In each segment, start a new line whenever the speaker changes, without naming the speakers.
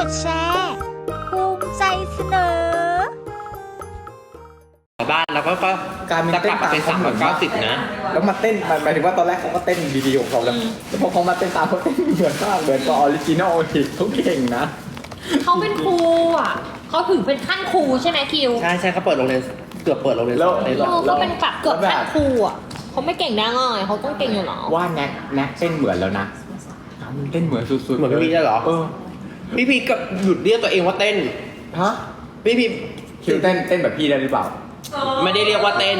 ดแชร์ภูมิใจเสนอ
บ้านแล้วก็
การเป็นเต้นตาม
เป็น390นะ
แล้วมาเต้นหมายถึงว่าตอนแรกเขาก็เต้นดีๆของเขาแล้วพอเขามาเต้นตามเขาเต้นเหมือนมากเหมือนกับออริจินอลอีกเขาเก่งนะ
เขาเป็นครูอ่ะเขาถึงเป็นขั้นครูใช่ไหมคิว
ใช่เขาเปิดโรงเรียนเกือบเปิดโรงเรียน
เขาเป็นแบบเกือบขั้นครูอ่ะเขาไม่เก่งได้ง่ายเขาต้องเก่งอยู่หรอ
ว่าแน็กเต้นเหมือนแล้วนะมันเต้นเหมือนสุดๆ
เหมือนพี่พีได้หรอพี่พีก็หยุดเรียกตัวเองว่าเต้น
ฮะ
พี่พี
คิวเต้นแบบพี่ได้หรือเปล่า
ไม่ได้เรียกว่าเต้น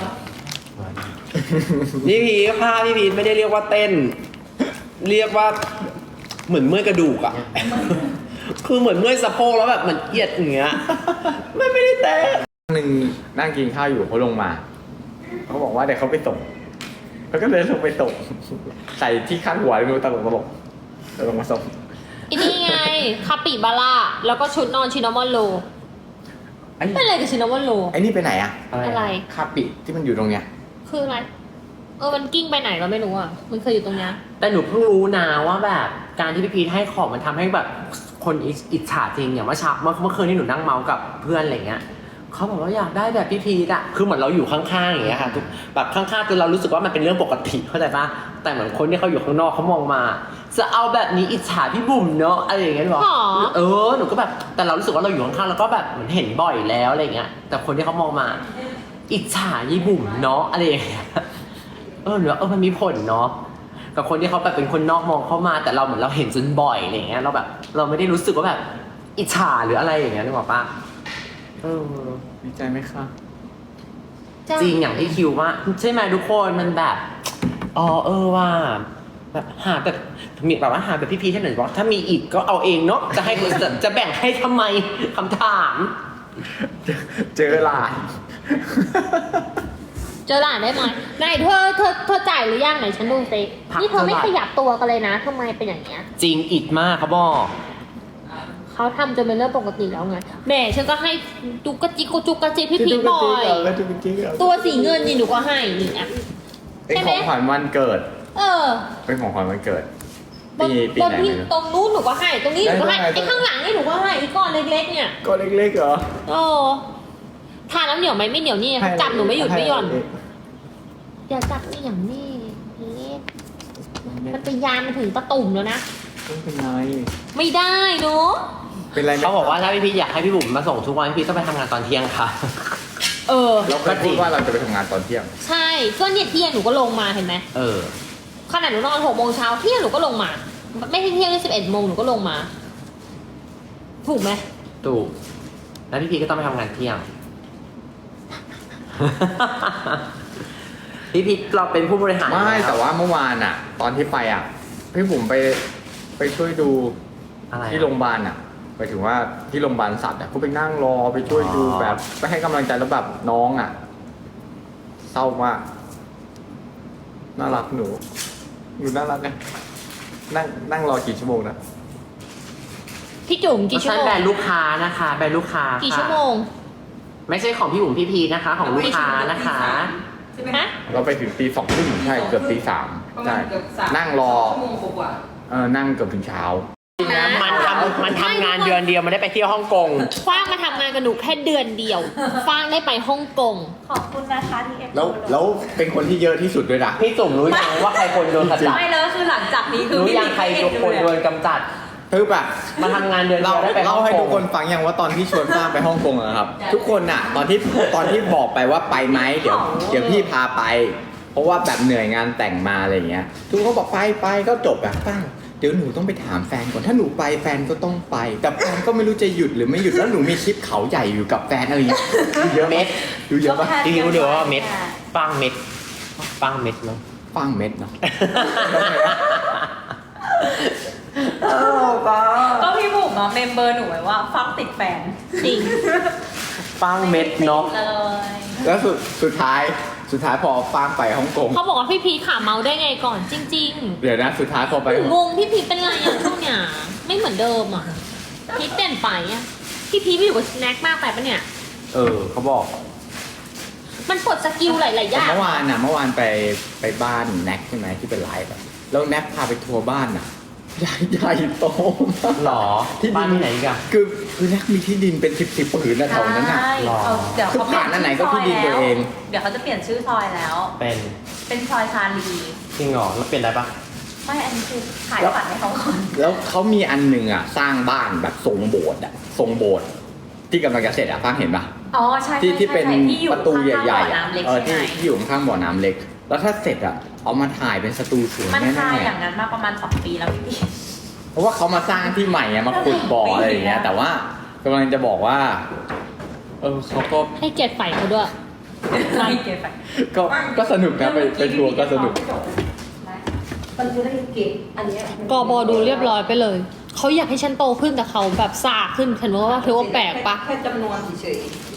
พี่พีไม่ได้เรียกว่าเต้นเรียกว่าเหมือนเมื่อยกระดูกอ่ะคือเหมือนเมื่อยสะโพกแล้วแบบมันเอียดอย่างเงี้ยไม่ได้เต้น
หนึ่งนั่งกินข้าวอยู่เขาลงมาเขาบอกว่าเดี๋ยวเขาไปส่งเขาก็เลยลงไปส่งใส่ที่ข้างหัวดูตลกแล้วลงมาส่ง
อีนี่ไงคาปิบาร่าแล้วก็ชุดนอนชินามอนโลเป็นอะไรกับชินามอนโล
ไอ้นี่ไปไหนอะ
อะไร
คาปิที่มันอยู่ตรงเนี้ย
คืออะไรมันกิ้งไปไหนเราไม่รู้อ่ะมันเคยอยู่ตรงเนี้ย
แต่หนูเพิ่งรู้นะว่าแบบการที่พี่พีทให้ของมันทำให้แบบคนอิจฉาจริงอย่างเมื่อคืนที่หนูนั่งเมาส์กับเพื่อนอะไรเงี้ยเขาบอกว่าอยากได้แบบพี่พีทอะคือเหมือนเราอยู่ข้างๆอย่างเงี้ยค่ะแบบข้างๆจนเรารู้สึกว่ามันเป็นเรื่องปกติเข้าใจปะแต่เหมือนคนที่เขาอยู่ข้างนอกเขามองมาจะเอาแบบนี้อิจฉาพี่บุ๋มเนาะอะไรอย่างเงี้ยหรอหนูก็แบบแต่เรารู้สึกว่าเราอยู่ข้างๆแล้วก็แบบเหมือนเห็นบ่อยแล้วอะไรเงี้ยแต่คนที่เขามองมาอิจฉายี่บุ๋มเนาะอะไรอย่างเงี้ยหรือมันมีผลเนาะกับคนที่เขาแบบเป็นคนนอกมองเข้ามาแต่เราเหมือนเราเห็นจนบ่อยอะไรเงี้ยเราแบบเราไม่ได้รู้สึกว่าแบบอิจฉาหรืออะไรอย่างเงี้ยนึกออกปะ
ดีใจไหมคะ
จริงอย่างที่คิวว่าใช่ไหมทุกคนมันแบบว่าแบบหาแบบมีแบบว่าหาแบบพี่ๆท่านหนึ่งบอกถ้ามีอีกก็เอาเองเนาะจะให้จะแบ่งให้ทำไมคำถาม
เจอหลาน
เจอหลานได้ไหมไหนเธอจ่ายหรือยังไหนฉันดูสินี่เธอไม่ขยับตัวกันเลยนะทำไมเป็นอย่างเงี้ย
จริงอิดมากเขาบอก
เขาทำจนเป็นเรื่องปกติแล้วไงแม่ฉันก็ให้จุกกระจิกพี่พีบ่อยตัวสีเงินนี่หนูก็ให้นี่อ่ะ
เป็นของขวัญวันเกิดเป็นของขวัญวันเกิดปีไหน
ตรงนู้นหนูก็ให้ตรงนี้หนูก็ให้ไอ้ข้างหลังนี่หนูก็ให้อีกก้อนเล็กๆเนี่ย
ก้อนเล็กๆเหรอ
ทานแล้วเหนียวไหมไม่เหนียวนี่จับหนูไม่หยุดไม่หย่อนอย่าจับนี่อย่างนี้มันไปยานมาถึงตะตุ่มแล้วนะ
เป็นไร
ไม่ได้เนาะ
เป็นไร
เขาบอกว่าถ้าพี่อยากให้พี่บุ๋มมาส่งทุกวันพี่ต้องไปทำงานตอนเที่ยงค่ะ
เราเคยพูดว่าเราจะไปทำงานตอนเที่ยง
ใช่ก็เนี่ยเที่ยงหนูก็ลงมาเห็นไหมขนาดหนูนอน6 โมงเช้าเที่ยงหนูก็ลงมาไม่ใช่เที่ยง11 โมงหนูก็ลงมาถูกไหม
ถูกแล้วพี่ก็ต้องไปทำงานเที่ยงพี่เราเป็นผู้บริหาร
ไม่แต่ว่าเมื่อวานอ่ะตอนที่ไปอ่ะพี่บุ๋มไปช่วยดูที่โรงพยาบาลอ่ะไปถึงว่าที่โรงพยาบาลสัตว์อ่ะเขาไปนั่งรอไปช่วยดูแบบไปให้กำลังใจแล้วแบบน้องอ่ะเศร้ามากน่ารักหนูน่ารักไงนั่งรอกี่ชั่วโมงนะ
พี่จุ๋มกี่ชั่วโมง
แบรนด์ลูกค้านะคะแบรนด์ลูกค้า
กี่ชั่วโมง
ไม่ใช่ของพี่บุ๋มพี่พีนะคะของลูกค้านะคะ
เราไปถึงตี 2 ทุ่มใช่เกือบตี 3ใช่นั่งรอนั่งเกือบถึงเช้า
มันทำงานเดือนเดียวมันได้ไปเที่ยวฮ่องกง
ฟางมาทำงานกับหนูแค่เดือนเดียวฟางได้ไปฮ่องกง
ขอบคุณนะคะที่เอฟ
แล้วเป็นคนที่เยอะที่สุดด้วยนะ
พี่จุ๋มรู้ยังว่าใครคนโดนกำจัด
ไม่แล้วคือหลังจากนี้คือ
รู้ยังใครคนโดนกำจัด
คือแบบ
มาทำงานเดือนเดียวได้ไป
เล่าให้ทุกคนฟังอย่างว่าตอนที่ชวนฟ้าไปฮ่องกงนะครับทุกคนน่ะตอนที่บอกไปว่าไปไหมเดี๋ยวพี่พาไปเพราะว่าแบบเหนื่อยงานแต่งมาอะไรอย่างเงี้ยทุกคนบอกไปก็จบแบบป้าเดี๋ยวหนูต้องไปถามแฟนก่อนถ้าหนูไปแฟนก็ต้องไปแต่แฟนก็ไม่รู้จะหยุดหรือไม่หยุดแล้วหนูมีคลิปเขาใหญ่อยู่กับแฟนอะไรอย่างเงี้ยเยอะ
เม็ด
ดูเยอะปะ
ที่รู้เดี๋ยวว่าเม็ดปังเม็ดเนาะ
ปังเม็ดเนาะ
ก็พี่บุ๋มเมมเบอร์หนูไว้ว่าฟังติดแฟน
จริง
ปังเม็ดเนาะ
แล้วสุดท้ายพอฟางไปฮ่องกง
เขาบอกว่าพี่พีขาเมาได้ไงก่อนจริง
ๆเดี๋ยวนะสุดท้ายพอไป
งงพี่พีเป็นไรอ่ะช่วงเนี้ยไม่เหมือนเดิมอ่ะพีเปลี่ยนไปอ่ะพี่พีอยู่กับสแน็คมากไปปะเนี่ย
เขาบอก
มันปลดสกิลหลายๆอย่าง
เมื่อวานไปบ้านแน็กใช่ไหมที่เป็นไลฟ์แล้วแน็กพาไปทัวร์บ้านน่ะใหญ่โตมาก
หรอ
ที่ดิน
บ้านที่ไหนอีกอะ
คือนักมีที่ดินเป็นสิบผืนนะแถวนั้นน่ะ
ใช่
หรอ
เอาเดี๋ยวเขาเปลี่ยน
คือผ่านอันไหนก็ที่ดินตัวเอง
เดี๋ยวเขาจะเปลี่ยนชื่อซอยแล้ว เป็นซอยชาลี
จริงเหรอแล้วเปลี่ยนได้ปะ
ไม่อันนี้คือขายฝันให้เขาก่อน
แล้วเขามีอันหนึ่งอ่ะสร้างบ้านแบบทรงโบสถ์อ่ะทรงโบสถ์ที่กำลังจะเสร็จอ่ะฟังเห็นปะ
อ๋อใช่
ที่เป็น
ใช่ที่อยู่
ประตูใหญ่ๆ
ข้างๆบ่อ
อ่ะ
น้ำเล็ก
เออ
ใช่
ที่
ไหม
ที่อยู่ข้างๆบ่อน้ำเล็ก แล้วถ้าเสร็จอ่ะเอามาถ่ายเป็นสตูสวย
มัน
แน่
คาอย่างนั้นมาประมาณ2 ปีแล้วพี่
ๆเพราะว่าเขามาสร้างที่ใหม่อ่ะมาขุดบ่ออะไรอย่างเงี้ย แต่ว่ากำลังจะบอกว่าเขาก็
ให้เกียรติฝ่ายเขาด้วย
ไม่เก็บไป
ก็สนุกนะไปทัวร์ก็สนุก
มันจะได้เก็บอันเนี้ย
กบดูเรียบร้อยไปเลยเขาอยากให้ฉันโตขึ้นแต่เขาแบบซ่าขึ้นฉันว่าเธอว่าแปลกปะ
แค่จำนวนเฉย